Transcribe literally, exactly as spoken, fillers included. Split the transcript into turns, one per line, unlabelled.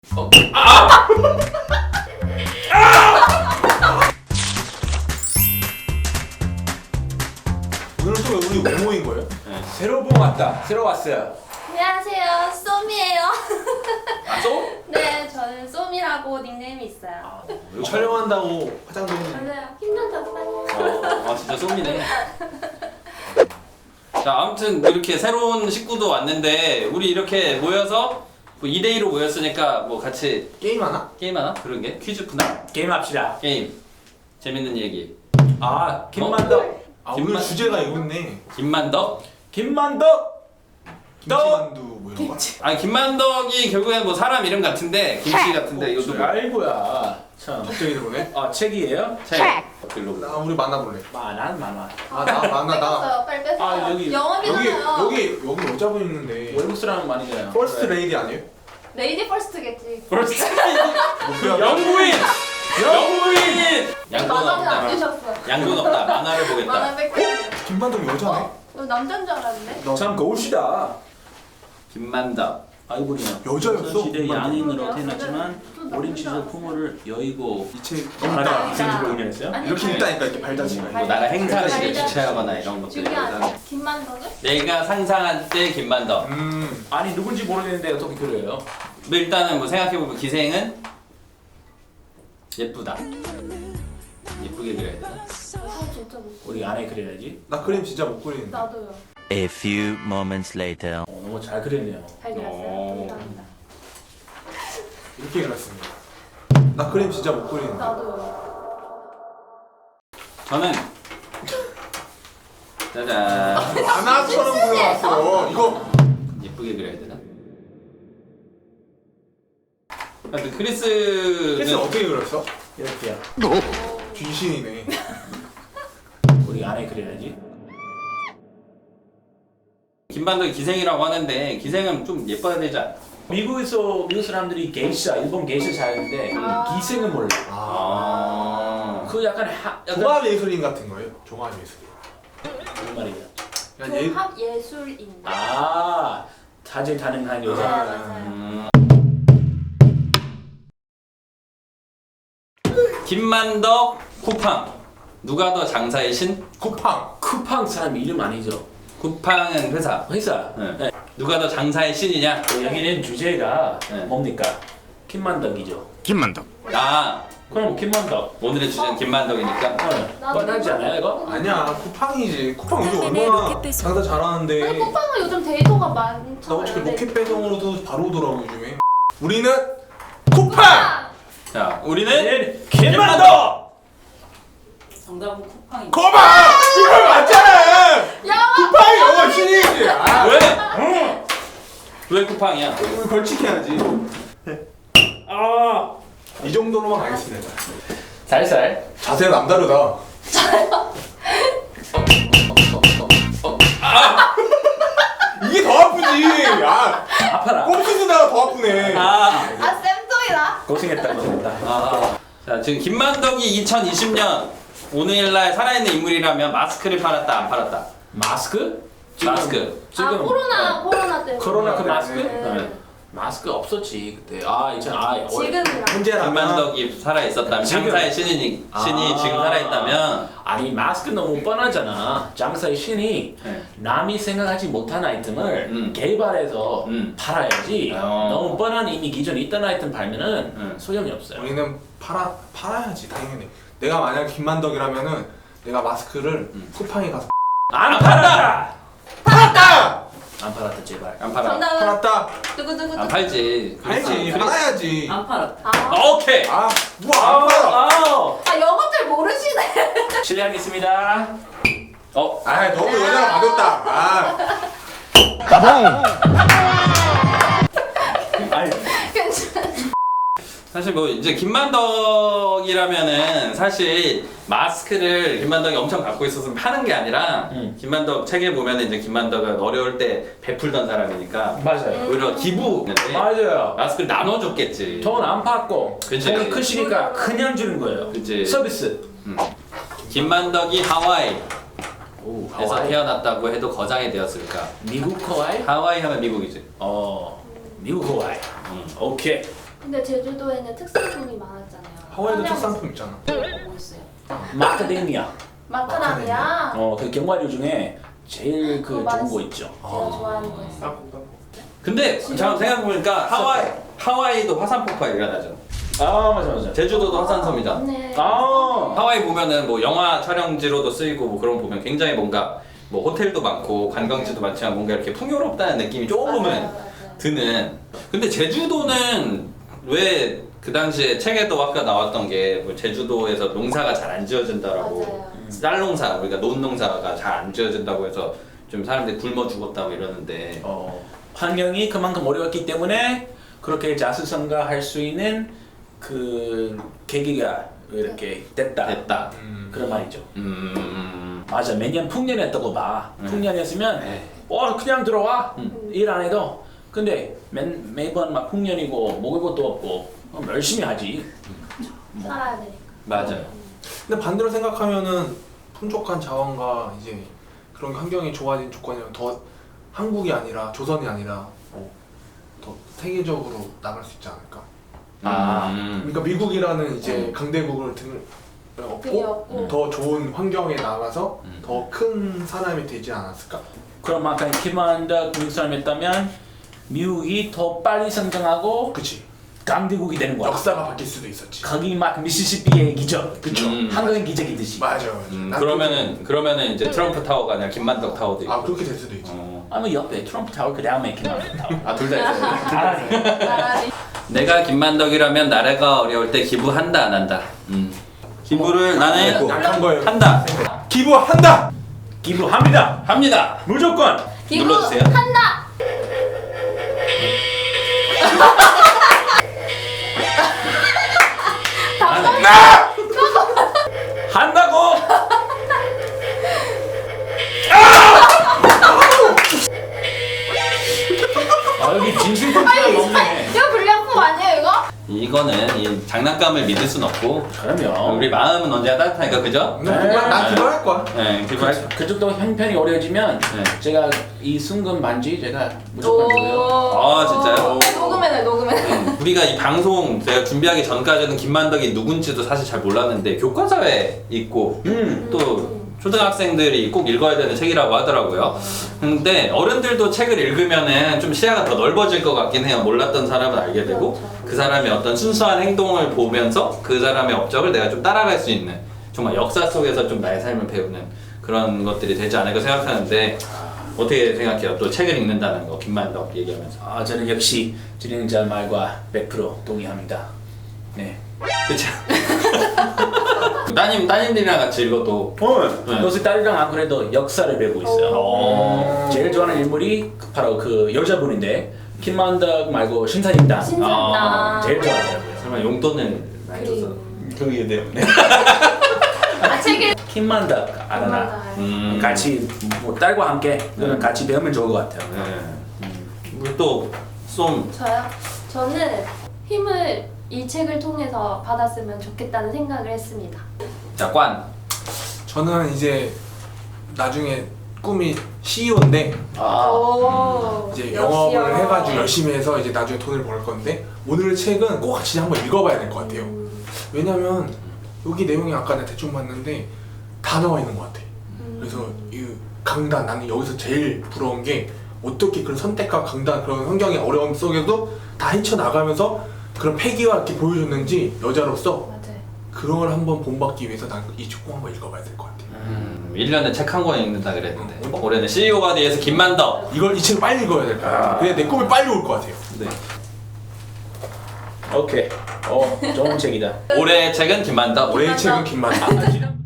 어. 아!
오늘 또 우리 왜 모인 거예요?
네, 새로 본 왔다. 새로 왔어요.
안녕하세요, 쏘미예요.
아, 쏘?
네, 저는 쏘미라고 닉네임이 있어요.
아,
이거 촬영한다고 화장도 했는데
맞아요. 힘들었어요.
어, 아 진짜 쏘미네. 자, 아무튼 이렇게 새로운 식구도 왔는데 우리 이렇게 모여서 뭐 이 대 이로 모였으니까 뭐 같이
게임 하나?
게임하나? 그런 게? 퀴즈 푸나?
게임 합시다.
게임. 재밌는 얘기.
아, 김만덕.
아 오늘
김만-
주제가 이거 있네.
김만덕?
김만덕.
김치만두 뭐 이런 거?
아니 김만덕이 결국엔 뭐 사람 이름 같은데 김치 같은데 이것도 뭐
아이고야. 참.
갑자기 들어오네.
아, 책이에요?
책. 글로.
나 우리 만나볼래.
만한 만한.
아 나 만나 나.
뺐어요, 빨리 뺐어요.
아, 여기-
여기
영업이잖아요.
여기 여기 여자분 있는데.
외국 사람 많이잖아요.
퍼스트 레이디 아니에요?
레이디 퍼스트겠지.
벌써
목표야.
영부인. 영부인.
양돈
만화는 안
없다.
주셨어요.
양돈 없다. 만화를 보겠다.
만화 뺐어요.
김만두 여자네.
어, 남자인 줄 알았는데.
참 거울시다.
김만덕.
아이보리야.
여자였어?
시대
김만덕.
양인으로 태어났지만
좀
어린
남자.
시절 부모를 여의고
이책 너무
나라가
있다.
이생지로 응연했어요?
아니,
이렇게
아니,
있다니까 이렇게 발자취가.
뭐 나라 행사를
발자-
주최하거나 이런 것들.
중요하죠. 김만덕은?
내가 상상한 때 김만덕.
음.
아니 누군지 모르겠는데 어떻게 그래요?
뭐 일단은 뭐 생각해보면 기생은 예쁘다. 예쁘게 그려야 되나?
아, 진짜 못.
우리 아내 그려야지.
나 그림 진짜 못 그리는데.
나도요.
A few moments later.
어, 너무 잘 그렸네요.
잘 그렸어요.
오.
감사합니다.
이렇게 그렸습니다. 나 그림 진짜 못 그리는데.
나도요.
저는 짜잔.
만화처럼 그려놨어. 이거
예쁘게 그려야 되나? 아, 근데 크리스는
캐스 어떻게 그렸어?
이렇게요.
귀신이네.
우리 아내 그려야지.
김만덕이 기생이라고 하는데 기생은 좀 예뻐야 되지 않아?
미국에서 미국 사람들이 게이샤, 일본 게이샤 잘하는데
아.
기생은 몰라.
아.
그 약간 하, 약간
종합 예술인 같은 거예요? 종합 예술.
무슨 말이야?
그냥 예.
종합 예술인.
아, 다재다능한
네,
여자.
맞아요.
음. 김만덕 쿠팡 누가 더 장사의 신?
쿠팡.
쿠팡 사람 이름 아니죠?
쿠팡은 회사.
회사.
네.
네.
누가 더 장사의 신이냐?
그 여기는 주제가
네.
뭡니까? 김만덕이죠.
아
그럼 김만덕.
오늘의 주제는 김만덕이니까.
어,
나도
뻔하지 않아요 이거?
아니야 쿠팡이지. 쿠팡 요즘 얼마나 장사 잘하는데.
아니, 쿠팡은 요즘 데이터가
나
많잖아요.
어차피
네.
로켓 배송으로도 바로 오더라고 요즘에. 우리는 쿠팡.
자 우리는
네, 김만덕.
정답은 쿠팡입니다.
거봐. 이거 맞잖아.
야!
쿠팡이 영어 신이지. 아,
왜? 왜 쿠팡이야?
우리 벌칙해야지.
아,
이 정도로만 가겠습니다.
살살.
자세가 남다르다. 이게 더 아프지. 아,
아파라.
꼼수 쓰다가 더 아프네.
아.
아, 쌤통이다.
고생했다 고생했다.
아. 자 지금 김만덕이 이천이십 년 오늘날 살아있는 인물이라면 마스크를 팔았다 안 팔았다?
마스크? 지금,
마스크.
지금
아, 코로나, 코로나 때문에.
코로나 그 마스크?
네.
마스크 없었지 그때. 아 이천 아 어,
지금이랑.
문제라면
김만덕이 살아있었다면
지금.
장사의 신이, 신이
아.
지금 살아있다면
아니 마스크 너무 뻔하잖아. 장사의 신이
네.
남이 생각하지 못한 아이템을
음.
개발해서
음.
팔아야지.
어.
너무 뻔한 이미 기존에 있던 아이템 팔면은
음.
소용이 없어요.
우리는 팔아 팔아야지 당연히. 내가 만약 김만덕이라면은 내가 마스크를
음.
쿠팡에 가서
안 팔았다.
팔았다.
안 팔았다 제발.
안 팔아.
정답은
팔았다.
두구두구.
안 팔지.
팔지.
그리스-
팔아야지.
안 팔았다.
아,
오케이.
아, 뭐안 팔아.
아우.
아, 영어들 모르시네.
실례하겠습니다.
어.
아, 너무 여자가 가볍다. 아,
아니
괜찮아.
사실 뭐 이제 김만덕이라면은 사실 마스크를 김만덕이 엄청 갖고 있어서 파는 게 아니라
음.
김만덕 책에 보면은 이제 김만덕은 어려울 때 베풀던 사람이니까
맞아요.
오히려 기부했는데
맞아요.
마스크를 나눠줬겠지.
돈 안 받고
그치.
돈이 크시니까 그냥 주는 거예요.
그치.
서비스.
음. 김만덕이 하와이에서
오, 하와이.
태어났다고 해도 거장이 되었을까?
미국 하와이?
하와이 하면 미국이지.
어, 미국 하와이.
음.
오케이.
근데 제주도에는 특산품이 많았잖아요.
하와이도
한양
특산품 있잖아.
뭐 있어요?
마카데미아.
마카다미아.
어, 그 견과류 중에 제일 그
그거
좋은 거
맛있어.
있죠.
제가 좋아하는 거 있어요.
근데 잠깐 생각해보니까 하와이 하와이도 화산 폭발 일어나죠.
아 맞아 맞아.
제주도도 화산섬이잖아.
맞네.
아.
하와이 보면은 뭐 영화 촬영지로도 쓰이고 뭐 그런 거 보면 굉장히 뭔가 뭐 호텔도 많고 관광지도 많지만 뭔가 이렇게 풍요롭다는 느낌이 조금은
맞아요, 맞아요.
드는. 근데 제주도는 왜 그 당시에 책에도 아까 나왔던 게 뭐 제주도에서 농사가 잘 안 지어진다라고
맞아요.
쌀 농사 우리가 논 농사가 잘 안 지어진다고 해서 좀 사람들이 굶어 죽었다고 이러는데
어, 환경이 그만큼 어려웠기 때문에 그렇게 자수성가할 수 있는 그 계기가 이렇게 됐다.
됐다.
음.
그런 말이죠.
음.
맞아. 매년 풍년이었다고 봐.
음.
풍년이었으면
네.
어 그냥 들어와
음.
일 안 해도. 근데 매, 매번 막 풍년이고 먹을 것도 없고 그럼 열심히 하지. 뭐.
살아야 되니까.
맞아요.
근데 반대로 생각하면은 풍족한 자원과 이제 그런 환경이 좋아진 조건이면 더 한국이 아니라 조선이 아니라 뭐 더 세계적으로 나갈 수 있지 않을까.
아.
음.
그러니까 미국이라는 이제 강대국을 등
그게
업고
없고.
더 좋은 환경에 나가서
음.
더 큰 사람이 되지 않았을까?
그럼 아까 키만다 미국 사람이었다면 미국이 더 빨리 성장하고
그치.
강대국이 되는 거야.
역사가 바뀔 수도 있었지.
거기 막 미시시피의 기적.
그쵸.
음.
한국인 기적이듯이.
맞아, 맞아.
음,
난
그러면은 그러면은 이제 트럼프 타워가 아니라 김만덕 타워도
그렇게-
있고.
아 그렇게 될 수도 있지.
어.
아니 옆에 트럼프 타워 그 다음에 키만다 타워.
아 둘 다 있어요.
잘하네.
나란히.
내가 김만덕이라면 나라가 어려울 때 기부한다 안 한다. 음. 기부를 나는
약한 거예요.
한다.
기부한다.
기부합니다.
합니다.
무조건.
기부
눌러주세요.
한다.
한다고. 아 여기 진실 컨트롤 없네.
이거 불량품 아니에요 이거?
이거는 이 장난감을 믿을 순 없고
그럼요.
우리 마음은 언제나 따뜻하니까 그죠?
난
네.
기부- 난 기부할 거야.
네, 기부할.
그쪽도 형편이 어려워지면
네.
제가 이 순금 반지 제가 무조건 줘요.
아, 진짜요?
녹음해놔 녹음해놔.
우리가 이 방송 제가 준비하기 전까지는 김만덕이 누군지도 사실 잘 몰랐는데 교과서에 있고
음.
또 초등학생들이 꼭 읽어야 되는 책이라고 하더라고요. 근데 어른들도 책을 읽으면은 좀 시야가 더 넓어질 것 같긴 해요. 몰랐던 사람은 알게 되고 그 사람의 어떤 순수한 행동을 보면서 그 사람의 업적을 내가 좀 따라갈 수 있는 정말 역사 속에서 좀 나의 삶을 배우는 그런 것들이 되지 않을까 생각하는데 어떻게 생각해요? 또 책을 읽는다는 거 김만덕 얘기하면서.
아 저는 역시 진행자 말과 백 퍼센트 동의합니다. 네.
그쵸? 따님, 따님들이랑 같이 읽어도
어.
네.
요새 딸이랑 안 그래도 역사를 배우고 있어요.
어.
제일 좋아하는 인물이 바로 그 여자분인데 김만덕 말고 신사임당.
신선다.
아,
제일 좋아하더라고요.
설마 용돈을 많이 줘서
그게 때문에.
아 책을.
김만덕 알아나.
음.
같이 뭐 딸과 함께
네.
같이 배우면 좋을 것 같아요.
네. 우리 또 쏨.
저요? 저는 힘을 이 책을 통해서 받았으면 좋겠다는 생각을 했습니다.
자, 관.
저는 이제 나중에 꿈이 씨이오인데
아.
오.
이제
역시요.
영업을 해가지고 열심히 해서 이제 나중에 돈을 벌 건데 오늘 책은 꼭 같이 한번 읽어봐야 될 것 같아요.
음.
왜냐면 여기 내용이 아까 내가 대충 봤는데 다 나와 있는 것 같아. 그래서 이 강단 나는 여기서 제일 부러운 게 어떻게 그런 선택과 강단 그런 환경의 어려움 속에도 다 헤쳐나가면서 그런 패기와 이렇게 보여줬는지 여자로서
맞아요.
그런 걸 한번 본받기 위해서 난 이 책 꼭 한번 읽어봐야 될 것 같아.
음, 일 년에 책 한 권 읽는다 그랬는데
음.
올해는 씨이오가 돼서 김만덕.
이걸 이 책을 빨리 읽어야 될 것 같아. 그래 내 꿈이 빨리 올 것 같아요.
네.
오케이. 어 좋은 책이다.
올해의 책은 김만덕.
올해의 책은 김만덕.